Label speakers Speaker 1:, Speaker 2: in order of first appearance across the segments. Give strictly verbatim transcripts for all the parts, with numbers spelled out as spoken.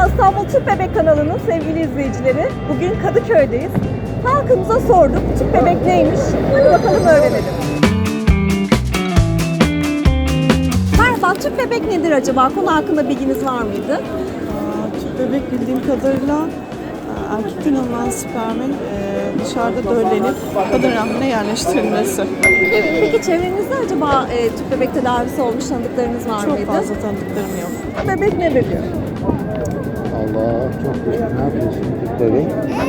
Speaker 1: İstanbul Tüp Bebek kanalının sevgili izleyicileri. Bugün Kadıköy'deyiz. Halkımıza sorduk. Tüp bebek neymiş? Hadi bakalım öğrenelim. Merhaba, tüp bebek nedir acaba? Konu hakkında bilginiz var mıydı?
Speaker 2: Aa, tüp bebek bildiğim kadarıyla e, erkekten alınan spermin e, dışarıda döllenip kadın rahmine yerleştirilmesi.
Speaker 1: Evet. Peki çevrenizde acaba e, tüp bebek tedavisi olmuş tanıdıklarınız var
Speaker 2: Çok
Speaker 1: mıydı?
Speaker 2: fazla tanıdıklarım yok.
Speaker 1: Bebek ne biliyor?
Speaker 3: Allah çok güzel. Ne yapıyorsun tüp bebek?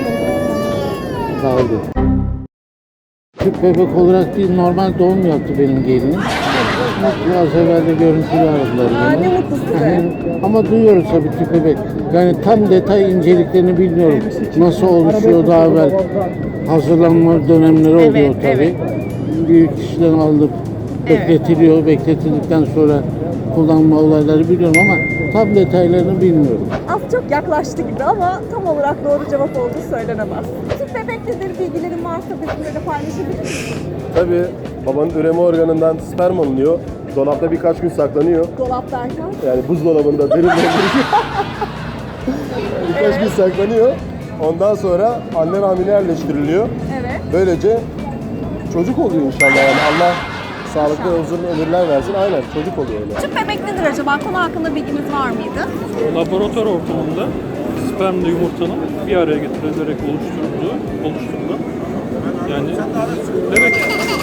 Speaker 3: Daldı. Tüp bebek olarak değil, normal doğum yaptı benim gelinim. Biraz evvel de görüntülü aradılar
Speaker 1: Aa,
Speaker 3: beni.
Speaker 1: ne mutlu size.
Speaker 3: Yani, ama duyuyoruz tabii tüp bebek. Yani tam detay inceliklerini bilmiyorum. Nasıl oluşuyor daha evvel. Hazırlanma dönemleri oluyor
Speaker 1: Evet,
Speaker 3: tabii.
Speaker 1: evet.
Speaker 3: Büyük kişiden alınıp
Speaker 1: Evet.
Speaker 3: bekletiliyor. Bekletildikten sonra kullanma olayları biliyorum ama tam detaylarını bilmiyorum.
Speaker 1: Az çok yaklaştı gibi ama tam olarak doğru cevap olduğu söylenemez. Tüp bebek nedir? Bilgilerin varsa bizimle de paylaşabilir misiniz?
Speaker 4: Tabii babanın üreme organından sperm alınıyor. Dolapta birkaç gün saklanıyor.
Speaker 1: Dolap derken?
Speaker 4: Yani buzdolabında derin dondurucu. birkaç gün saklanıyor. Ondan sonra anne rahmine yerleştiriliyor.
Speaker 1: Evet.
Speaker 4: Böylece çocuk oluyor inşallah yani. Allah sağlıklı uzun ömürler versin. Aynen çocuk oluyor öyle.
Speaker 1: Tüp bebek nedir acaba? Konu hakkında bilginiz var mıydı?
Speaker 5: Laboratuvar ortamında spermle yumurtanın bir araya getirilerek oluşturulduğu, oluşturulan yani bebek.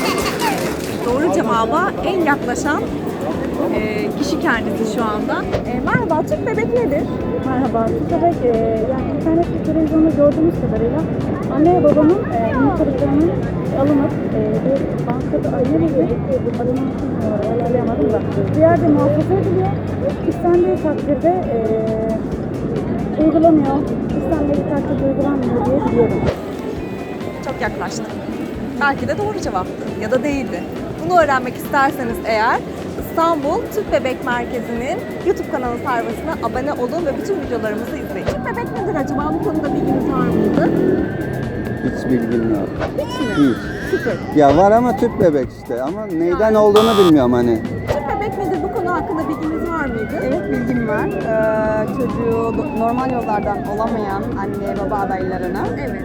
Speaker 1: Doğru cevaba en yaklaşan e, kişi kendisi şu anda. E, merhaba, tüp bebek nedir?
Speaker 6: Merhaba, tüp bebek e, yani internette televizyonda gördüğümüz kadarıyla anne ve babanın e, yumurtalıklarının alınıp e, bir bankada ayrılıyor. Adını ayarlayamadım da. Bir yerde muhafaza ediliyor. İstendiği takdirde e, uygulanıyor. İstendiği takdirde uygulanmıyor diye biliyorum.
Speaker 1: Çok yaklaştı. Belki de doğru cevaptı ya da değildi. Bunu öğrenmek isterseniz eğer İstanbul Tüp Bebek Merkezi'nin YouTube kanalı sayfasına abone olun ve bütün videolarımızı izleyin. Tüp bebek nedir acaba? Bu konuda bilginiz var mıydı?
Speaker 7: Hiç bilgim yok.
Speaker 1: Hiç mi?
Speaker 7: Hiç.
Speaker 1: Sıfır.
Speaker 7: Ya var ama tüp bebek işte ama neyden olduğunu bilmiyorum hani.
Speaker 1: Tüp bebek nedir? Bu konu hakkında bilginiz var mıydı?
Speaker 8: Evet, bilgim var. Ee, çocuğu do- normal yollardan olamayan anne baba adaylarına
Speaker 1: Evet.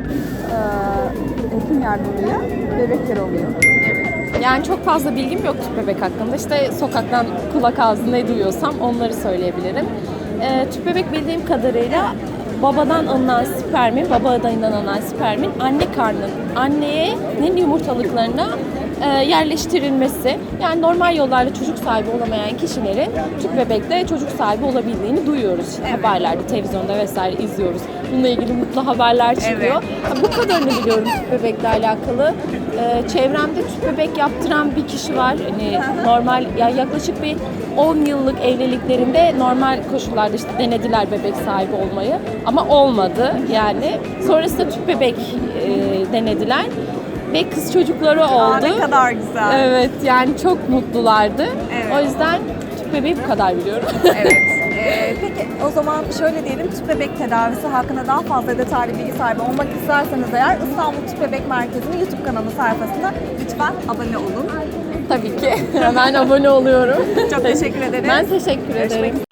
Speaker 8: e, hekim yardımıyla bebekler oluyor.
Speaker 9: Yani çok fazla bilgim yok tüp bebek hakkında. İşte sokaktan kulak ağzında ne duyuyorsam onları söyleyebilirim. Ee, tüp bebek bildiğim kadarıyla babadan alınan spermin, baba adayından alınan spermin anne karnının, annenin yumurtalıklarına e, yerleştirilmesi. Yani normal yollarla çocuk sahibi olamayan kişilerin tüp bebekle çocuk sahibi olabildiğini duyuyoruz.
Speaker 1: Evet.
Speaker 9: Haberlerde, televizyonda vesaire izliyoruz. Bununla ilgili mutlu haberler çıkıyor.
Speaker 1: Evet.
Speaker 9: Ha, bu kadarını biliyorum tüp bebekle alakalı. Ee, çevremde tüp bebek yaptıran bir kişi var. Hani normal, yani yaklaşık bir on yıllık evliliklerinde normal koşullarda işte denediler bebek sahibi olmayı ama olmadı yani. Sonrasında tüp bebek e, denediler ve kız çocukları
Speaker 1: Aa,
Speaker 9: oldu.
Speaker 1: ne kadar güzel.
Speaker 9: Evet, yani çok mutlulardı.
Speaker 1: Evet.
Speaker 9: O yüzden tüp bebeği bu kadar biliyorum.
Speaker 1: Evet. Ee, peki o zaman şöyle diyelim, tüp bebek tedavisi hakkında daha fazla detaylı bilgi sahibi olmak isterseniz eğer İstanbul Tüp Bebek Merkezi'nin YouTube kanalı sayfasına lütfen abone olun.
Speaker 9: Tabii ki. Hemen abone oluyorum.
Speaker 1: Çok teşekkür ederim.
Speaker 9: Ben teşekkür
Speaker 1: Görüşmek
Speaker 9: ederim.
Speaker 1: üzere.